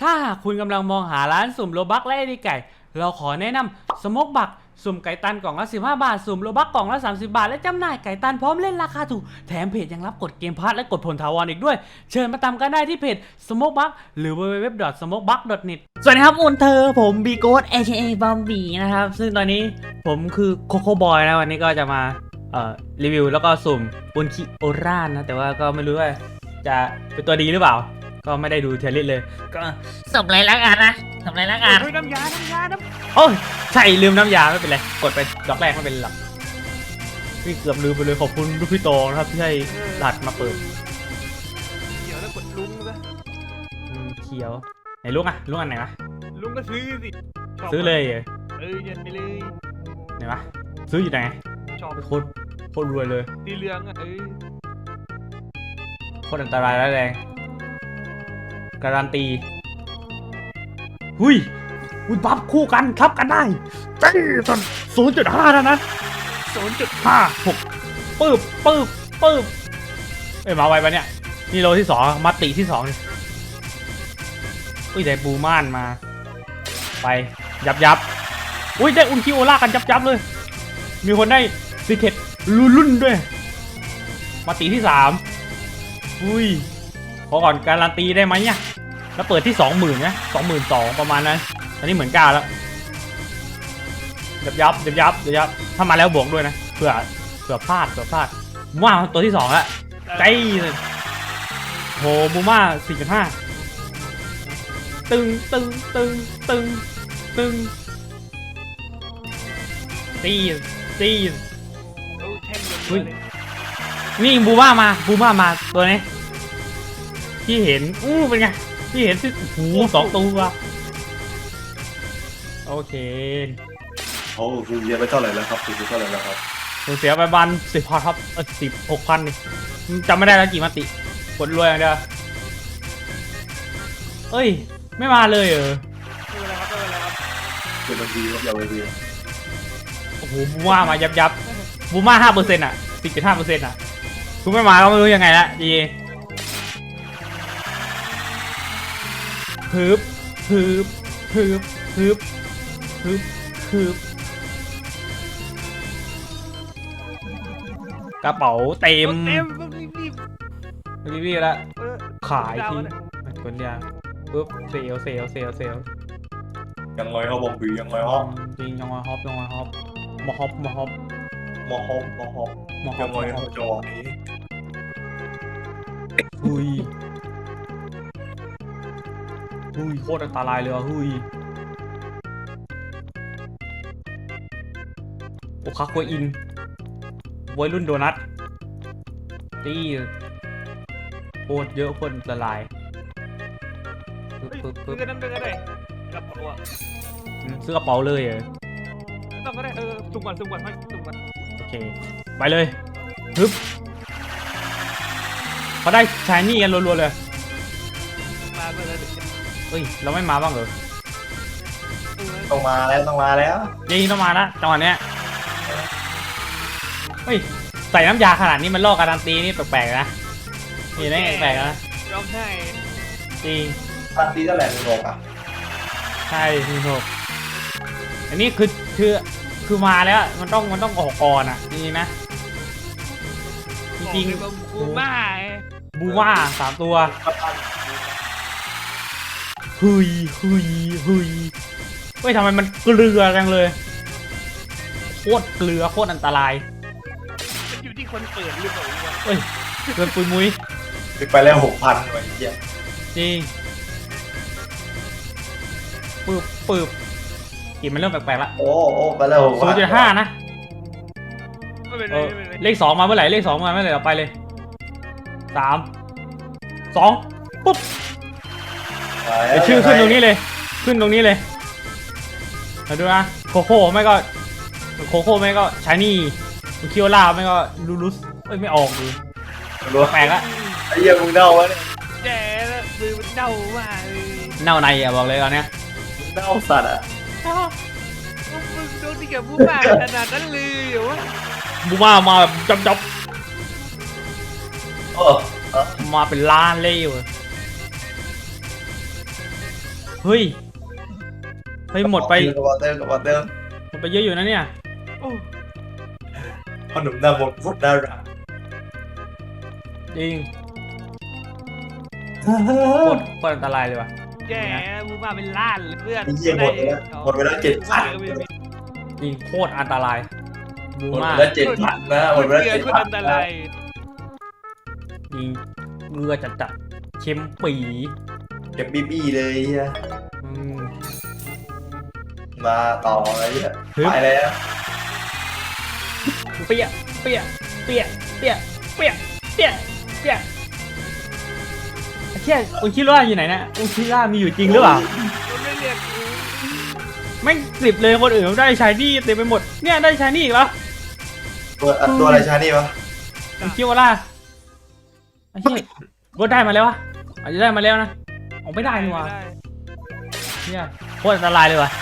ถ้าหากคุณกำลังมองหาร้านสุ่มโลบักและไอดีไก่เราขอแนะนำสโมกบักสุ่มไก่ตันกล่องละ15 บาทสุ่มโลบักกล่องละ30 บาทและจำหน่ายไก่ตันพร้อมเล่นราคาถูกแถมเพจยังรับกดเกมพาร์ทและกดผลถาวรอีกด้วยเชิญมาตามกันได้ที่เพจสโมกบักหรือ www.smokebuck.net สวัสดีครับอุนเธอผมบีโกส AKA บอมบี้นะครับซึ่งตอนนี้ผมคือโคโค่บอยนะวันนี้ก็จะมารีวิวแล้วก็สุ่มอุนคิโอร่านะแต่ว่าก็ไม่รู้ว่าจะเป็นตัวดีหรือเปล่าก็ไม่ได้ดูเทเลตเลยก็สมไรลักอ่ะนะสมไรลักอ่ะน้ำยาโอ้ยใช่ลืมน้ำยาไม่เป็นไรกดไปดอกแรกไม่เป็นหรอกพี่เกือบลืมไปเลยขอบคุณลูกพี่โตนะครับที่ให้หลัดมาเปิดเขียวแล้วกดลุงซะเขียวไหนลุงอ่ะลุงอันไหนวะลุงก็ซื้อสิซื้อเลยเงินไปเลยไหนวะซื้ออยู่ไหนชอบโคตรรวยเลยสีเหลืองอ่ะโคตรอันตรายแล้วแรงการันตีหุยบัฟคู่กันทับกันได้เจ๊สัน0.5แล้วนะ0.56ปึ๊บมาไวปะเนี่ยนี่โลที่2มาติที่2อุ้ยได้บูม่านมาไปยับอุ้ยได้อุนคิโอล่ากันยับเลยมีคนได้ซีเคทรุ่นด้วยมาติที่3อุ้ยขอก่อนการันตีได้ไหมเนี่ยแล้วเปิดที่ 20,000นะ22,000ประมาณนั้นอันนี้เหมือน9แล้วยับถ้ามาแล้วบวกด้วยนะเผื่อพลาดว่าตัวที่2แล้วใจโหบูม่า 4.5 ตึงตีนี่บูม่ามาตัวนี้ที่เห็นเป็นไงที่เห็นที่หู2 ตัวโอเคคุณเสียไปเท่าไหร่แล้วครับคุณเท่าไหร่แล้วครับผมเสียไปบัน10 พันครับ16,000นี่จำไม่ได้แล้วกี่มาติกดรวยอย่างเดียวเอ้ยไม่มาเลยเป็นบัญชีครับยาวเลยโอ้โหบูม่ามายับบูม่า 5% อ่ะ 10.5% อ่ะคุณไม่มาก็ไม่รู้ยังไงละดีฮึบกระเป๋าเต็มรีบแล้วขายทิ้งคนเดียวปุ๊บเซลยังไงเขาบอกผียังไงฮอปจริงยังไงฮอปมอฮอปยังไงเขาจอนี้หุยโคตรอันตรายเลยหุยโอคาโคอินวัยรุ่นโดนัทตีโคตรเยอะคนละลายซื้อนั่นไปก็ได้กระเป๋าอ่ะซื้อกระเป๋าเลยต้องก็ได้สุ่มก่อนโอเคไปเลยฮึบเขาได้ชายนี่กันรัวๆเลยมาเมื่อไรเฮ้ยเราไม่มาบ้างเหรอต้องมาแล้วนี่ต้องมาละจังหวะเนี้ยเฮ้ยใส่น้ำยาขนาดนี้มันลอกการันตีนี่แปลกๆนะนี่นะแปลกนะร้องไห้จริงการันตีเท่าไหร่คุณโอกอ่ะใช่คุณโอกอันนี้คือมาแล้วมันต้องออกก่อนอ่ะจริงๆนะจริงบูม่า3 ตัวเฮ้ยทำไมมันเกลือจังเลยโคตรเกลือโคตรอันตรายมันอยู่ที่คนเปิดหรือเปล่าเฮ้ยเกินปุยมุ้ยไปแล้ว 6,000 ไว้เหี้ยจริงปึ๊บกินมันเริ่มแปลกๆละโอ้ไปแล้ว 0.5 นะเลข 2มาเมื่อไหร่เราไปเลย3 2ปุ๊บเดี๋ยวชื่อขึ้นตรงนี้เลยมาดูนะโคโค่ไม่ก็ชายนี่คิโอล่าไม่ก็ลูรุสไม่ออกเลยแปลกละไอ้เหี้ยมึงเน่าวะเนี่ยแย่แล้วมือมันเน่ามากเลยเน่าในอ่ะบอกเลยตอนเนี้ยเน่าสัตว์อ่ะมึงโดนที่แกบูม่าขนาดนั้นเลยเหรอวะบูม่ามาแบบจับมาเป็นล้านเลยเฮ้ยหมดไปกระเป๋าเติมกระเป๋าเติมหมดไปเยอะอยู่นะเนี่ยโอ้ขนมหน้ามนต์โคตรน่ารักจริงโคตรอันตรายเลยว่ะแย่บูมาเป็นล้านเลยเพื่อนไอ้เหี้ยหมดไปแล้วหมดไปแล้ว7,000 จริงโคตรอันตรายบูหมดมาไปแล้ว7,000นะหมดไปแล้วเกิดคนอันต 7,000 รายจริงเงือจัดเค็มปีเก็บบี้เลยเฮียอืมมาต่ออะไรเฮียฮึบไปแล้วเปี้ยเปี้ยเปี้ยเปี้ยเปี้ยเปี้ยเปี้ยไอ้เชี่ยอุคิร่าอยู่ไหนนะอุคิร่ามีอยู่จริงหรือเปล่ามันไม่เรียกกูแม่งสิบเลยคนอื่นได้ชายนี่เต็มไปหมดเนี่ยได้ชายนี่อีกแล้วตัวอะไรชานี่วะอุคิร่าไอ้เชี่ยก็ได้มาแล้ววะอาจจะได้มาแล้วนะออกไม่ได้นี่หวะม่ด้เนี่ยโคตรอันตรายเลยว่ะ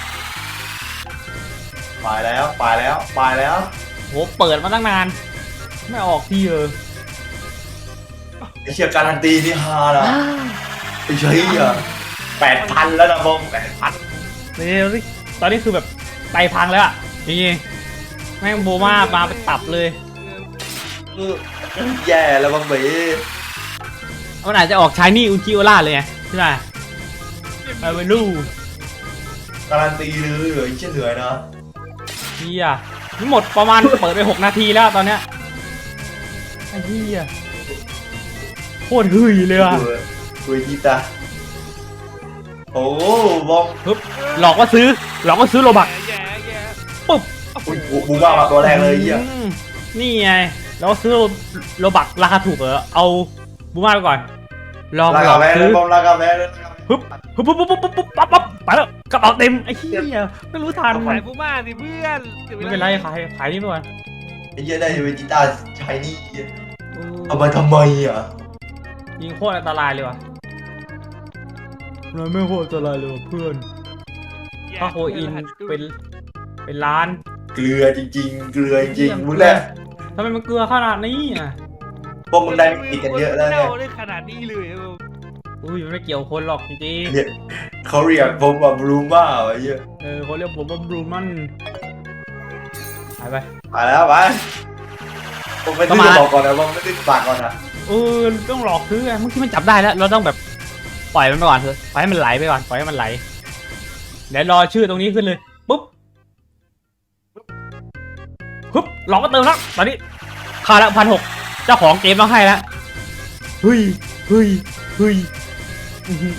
ไปแล้วไปแล้วไปแล้วโหเปิดมาตั้งนาน ไม่ออกทีไอ้เชี่ยการันตีนี่ฮาละไอ้เชี่ย8,000แล้วนะบอม8,000 นี่ตอนนี้คือแบบไตพังแล้วอ่ะจริงๆแม่งโบมามาเป็นตับเลยแย่แล้วบอมบีมันอาจจะออกชายนี่อุจิโอล่าเลยไงใช่ไหมไปไปลู่การันตีเลยไอ้เชี่ยเหนื่อยนะเฮียนี่หมดประมาณ เปิดไป6 นาทีแล้วตอนเนี้ยไอ้เฮียโคตรหึยเลยว่ะคุยกีตาโอ้บอมปึ๊บหลอกว่าซื้อโลบักแย่แย่ปุ๊บอุ้ยบูบ้ามาตัวแรกเลยเฮียนี่ไงแล้วซื้อโลบักราคาถูกเหรอเอาบูมาไปก่อนลองลาหลกาอกแม่เลซื้ยอบอมลากาแม่เลยปุ๊บปั๊บไปแล้วกระเป๋าเต็มไอ้เหี้ยไม่รู้ทันขายบูมาสิเพื่อนไม่เป็นไรขายนี่ไปก่อนไอ้เหี้ยได้เวจิต้าชายนี่เอามาทำไมอ่ะยิงโคตรอันตรายเลยว่ะเราไม่โคตรอันตรายเลยว่ะเพื่อนถ้าโคอินเป็นล้านเกลือจริงๆ เกลือจริงๆมึงแหละทำไมมันเกลือขนาดนี้อ่ะพวกมึงได้ติดกันเยอะแล้วเน่าไงได้ขนาดนี้เลยครับอุ้ยมันไม่เกี่ยวคนหรอกจริงเนี่ยเขาเรียกผมว่าบรูม่าไอ้เหี้ยๆเขาเรียกผมว่าบรูมันหายไปไปแล้วไปผมไม่ก็ซื้อมาบอกก่อนนะผมไม่ซื้อฝากก่อนนะต้องหลอกซื้อไงเมื่อกี้มันจับได้แล้วเราต้องแบบปล่อยมันไปก่อนเถอะปล่อยให้มันไหลไปก่อนปล่อยให้มันไหลเดี๋ยวรอชื่อตรงนี้ขึ้นเลยปุ๊บปุ๊บหลอกก็เติมแล้วตอนนี้ค่าละ1,600เจ้าของเกมต้องให้แล้วเฮ้ยอื้อหือ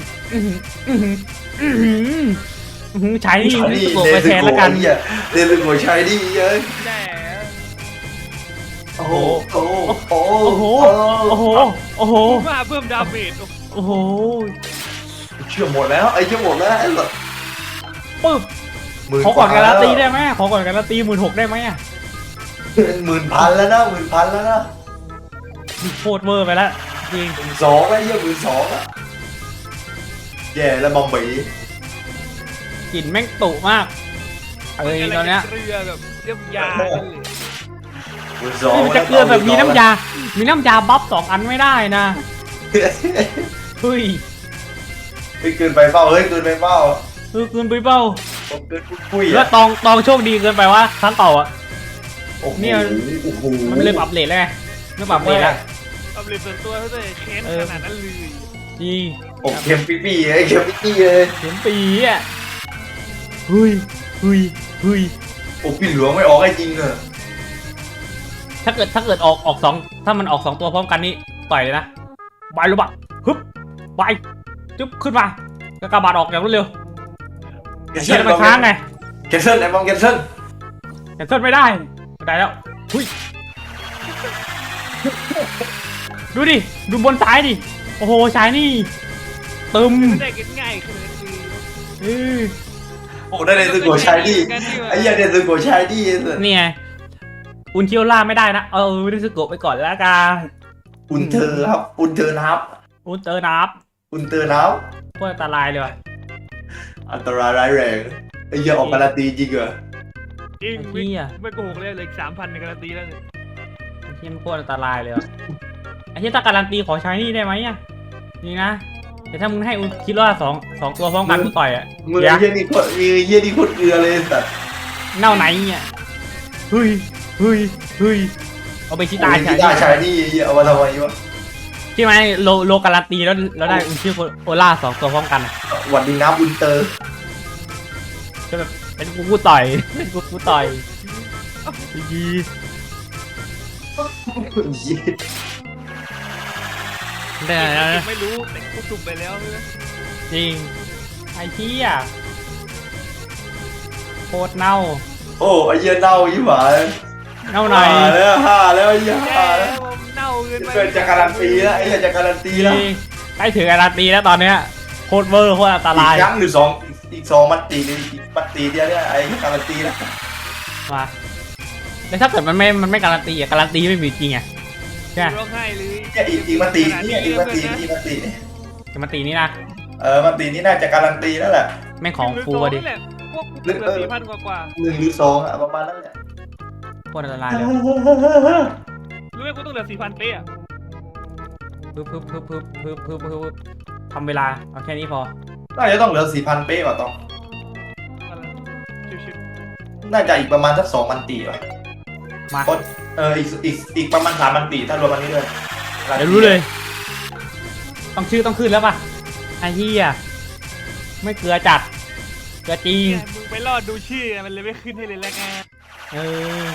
ใช้นี่ชายนี่ตัวเนไปซึแทนโกแล้วกันไอ้เหี้ยเนซึโกชายนี่เอ้ยแย่โอ้โหโอ้โหโอ้โหโอ้โหโอ้โหบูมาเพิ่มดาเมจโอ้โหเชื่อหมดแล้วไอ้เชื่อหมดแล้วไอ้หลอดปึ๊บขอก่อนการันตีได้ไหมขอก่อนการันตี16,000ได้ไหมอ่ะ 10,000แล้วนะ10,000แล้วนะโคตรเวอร์ไปแล้วจริง 12,000ไอ้เหี้ย12,000อ่ะแย่แล้วบอมบีกลิ่นแม่งตุมากตอนเนี้ยเกลือแบบเรียบยากันเลยมันจะเกลือแบบมีน้ำยาบัฟ2 อันไม่ได้นะเฮ้ยเฮ้ยเกินไปเปล่าเฮ้ยเกินไปเปล่าเกินไปเปล่าผมเกินปุ้ยแล้อ่ะวตองโชคดีเกินไปว่าครั้งเก่าอ่ะโอ้โหเนี่ยโอ้โหมันเลยปรับเลทแล้วไงไม่ปรับเลทแล้วเอาเลยส่วนตัวเขาเลยเค้นขนาดนั้นเลยจริงโอ้เข็มปี้ปี้ไอ้เข็มปี้ปี้เลยเข็มปีอ่ะเฮ้ยโอ้ปีหลวงไม่ออกไอ้จริงอ่ะถ้าเกิดออกสองถ้ามันออก2 ตัวพร้อมกันนี่ต่อยเลยนะบายรู้ปะฮึบไปจุ๊บขึ้นมากระบาดออกอย่างรวดเร็วเชี่ยมันค้างไงแคนเซิลไอ้บอมแคนเซิลแคนเซิลไม่ได้แล้วหุยดูดิดูบนซ้ายดิโอ้โหชายนี่ตึมไม่ได้กันง่ายขนาดนี้เออโอ้ได้เลยซึโกะชายดีไอ้เหี้ยได้ซึโกะชายดีนี่ไงอุนเคียวล่าไม่ได้นะได้สโกะไปก่อนแล้วกันอุ่นเธอครับอุ่นเธอนับอุนเตอร์นับอุ่นเธอนับโคตรอันตรายเลยว่ะอันตรายร้ายแรงไอ้เหี้ยออกการันตีจริงเหรอจริงไอ้เหี้ยไม่โกหกเลยเลย3,000ในการันตีแล้วเนี่ยไอ้เหี้ยมันโคตรอันตรายเลยว่ะไอ้เหี้ยถ้าการันตีขอใช้นี่ได้ไหมอ่ะนี่นะแต่ถ้ามึงให้กูคิดว่าสองตัวพร้อมกันกูต่อยอ่ะมือเดี๋ยวเฮียนี่โคตรมือเฮียนี่โคตรเกลือเลยสัตว์เน่าไหนเนี่ยเฮ้ยเอาไปชิตาที่ได้ชายนี่เฮียเอามาทำไมวะใช่ไหมโลการันตีแล้วได้ชื่อโอล่า2ตัวพร้อมกันอ่ะหวัดดีนะบุญเตอร์ก็แบบเป็นกูต่อยเป็นกูต่อยยี ได้แล้วนะไม่รู้แต่กูสุ่มไปแล้วใช่ไหมจริงไอ้เหี้ยโคตรเน่าโอ้ไอ้เหี้ยเน่ายิ่งหวาเน่าไหนห้าแล้วไอ้เหี้ยแย่ห้าแล้วผมเน่าเกินไปเกิดจากการันตีแล้วไอ้เหี้ยจากการันตีแล้วใกล้ถึงการันตีแล้วตอนเนี้ยโคตรเวอร์โคตรอันตอีราก ยครั้งหรือสองอีก2 มัตติหรืออีกมัตติเดียวเนี่ยไอ้การันตีแล้วมาแล้วถ้าเกิดมันไม่การันตีอะการันตีไม่มีจริงไงใช่ไหมร้องไห้เลยเนี่ยอีกมัตติเนี่ยอีกมัตติการันตีนี่นะมัตตินี่น่าจะการันตีแล้วแหละแม่งของฟูอะดินี่แหละพวกกูเหลือ4,000กว่า 1 หรือ 2อ่ะประมาณนั้นแหละโคตรอันตรายเลยรู้ไหมกูต้องเหลือ4,000เป๊ะอะปึ๊บทำเวลาเอาแค่นี้พอน่าจะต้องเหลือ 4,000 เป๊ะว่ะต้องอะไรชิวน่าจะอีกประมาณสัก2 มัตติว่ะมาอีกประมาณ3 มัตติถ้ารวมอันนี้ด้วยเดี๋ยวรู้เลย ต้องชื่อต้องขึ้นแล้วป่ะไอ้เหี้ยไม่เกลือจัดเกลือจริงเนี่ยมึงไปรอดดูชื่อมันเลยไม่ขึ้นให้เลยแล้วไงเออ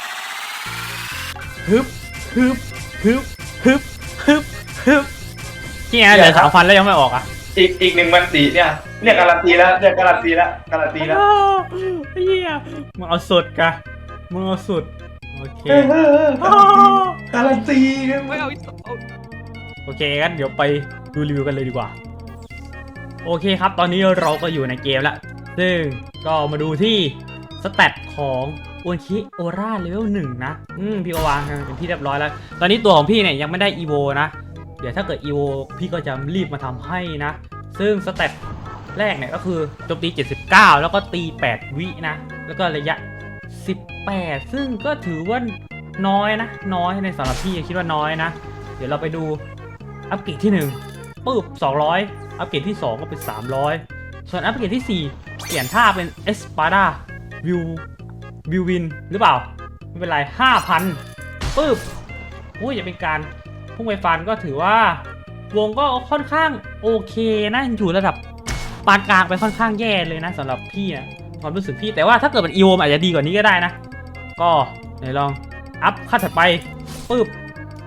ฮึบที่ไงเหลือ3,000แล้วยังไม่ออกอ่ะอีก1 มัตติเนี่ยการันตีแล้วการันตีแล้วไอ้เหี้ยมึงเอาสุดกะมึงเอาสุดโอเคการันตีไม่เอาอีกเอาโอเคงั้นเดี๋ยวไปดูรีวิวกันเลยดีกว่าโอเคครับตอนนี้เราก็อยู่ในเกมแล้วซึ่งก็มาดูที่สแตทของอุนชิโอราเลเวล1นะพี่ก็วางเป็นที่เรียบร้อยแล้วตอนนี้ตัวของพี่เนี่ยยังไม่ได้อีโวนะเดี๋ยวถ้าเกิดอีโวพี่ก็จะรีบมาทำให้นะซึ่งสแตทแรกเนี่ยก็คือโจมตี79แล้วก็ตี8วินะแล้วก็ระยะ18ซึ่งก็ถือว่าน้อยนะน้อยในสำหรับพี่คิดว่าน้อยนะเดี๋ยวเราไปดูอัปเกรดที่1ปึ๊บ200อัปเกรดที่2ก็เป็น300ส่วนอัปเกรดที่4เปลี่ยนท่าเป็นเอสปาดาวิววินหรือเปล่าไม่เป็นไร 5,000ปึ๊บอุ้ยอย่าเป็นการพุ่งไปฟันก็ถือว่าวงก็ค่อนข้างโอเคนะอยู่ระดับปานกลางไปค่อนข้างแย่เลยนะสำหรับพี่นะความรู้สึกพี่แต่ว่าถ้าเกิดเป็นอีโวอาจจะดีกว่านี้ก็ได้นะก็ไหนลองอัพขั้นถัดไปปึ๊บ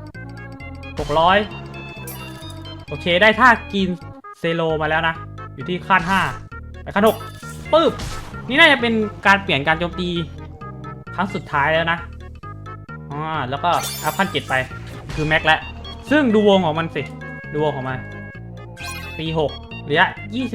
600โอเคได้ท่ากินเซโลมาแล้วนะอยู่ที่ขั้น5ไปขั้น6ปึ๊บนี่น่าจะเป็นการเปลี่ยนการโจมตีครั้งสุดท้ายแล้วนะแล้วก็อัพขั้น7ไปคือแม็กแล้วซึ่งดูวงของมันสิดูวงของมันปี6ระยะ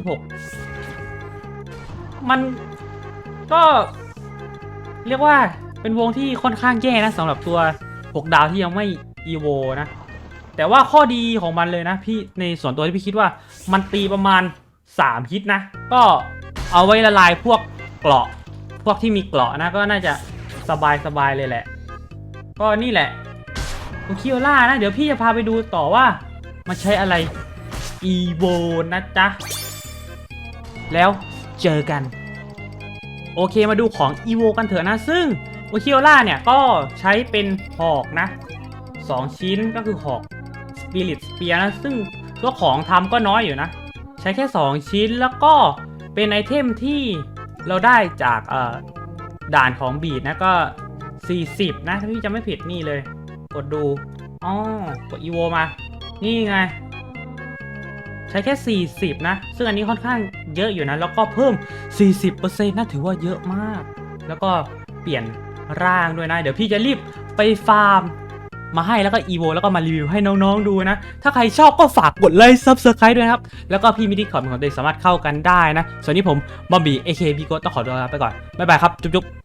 26มันก็เรียกว่าเป็นวงที่ค่อนข้างแย่นะสำหรับตัว6 ดาวที่ยังไม่อีโวนะแต่ว่าข้อดีของมันเลยนะพี่ในส่วนตัวที่พี่คิดว่ามันตีประมาณ3 ฮิตนะก็เอาไว้ละลายพวกเกราะพวกที่มีเกราะนะก็น่าจะสบายเลยแหละก็นี่แหละโอคิโอล่านะเดี๋ยวพี่จะพาไปดูต่อว่ามันใช้อะไรอีโวนะจ๊ะแล้วเจอกันโอเคมาดูของอีโวกันเถอะนะซึ่งโอคิโอล่าเนี่ยก็ใช้เป็นหอกนะ2 ชิ้นก็คือหอกสปิริตสเปียร์นะซึ่งตัวของทำก็น้อยอยู่นะใช้แค่2 ชิ้นแล้วก็เป็นไอเทมที่เราได้จากด่านของบีดนะก็40นะถ้าพี่จำไม่ผิดนี่เลยกดดูกดอีโวมานี่ไงใช้แค่40นะซึ่งอันนี้ค่อนข้างเยอะอยู่นะแล้วก็เพิ่ม 40% นะถือว่าเยอะมากแล้วก็เปลี่ยนร่างด้วยนะเดี๋ยวพี่จะรีบไปฟาร์มมาให้แล้วก็อีโวแล้วก็มารีวิวให้น้องๆดูนะถ้าใครชอบก็ฝากกดไลค์ Subscribe ด้วยนะครับแล้วก็พี่มิดิคอร์ดของตัวเองสามารถเข้ากันได้นะส่วนนี้ผมบอมบี้ AKB โกต้องขอตัวลาไปก่อนบ๊ายบายครับจุ๊บๆ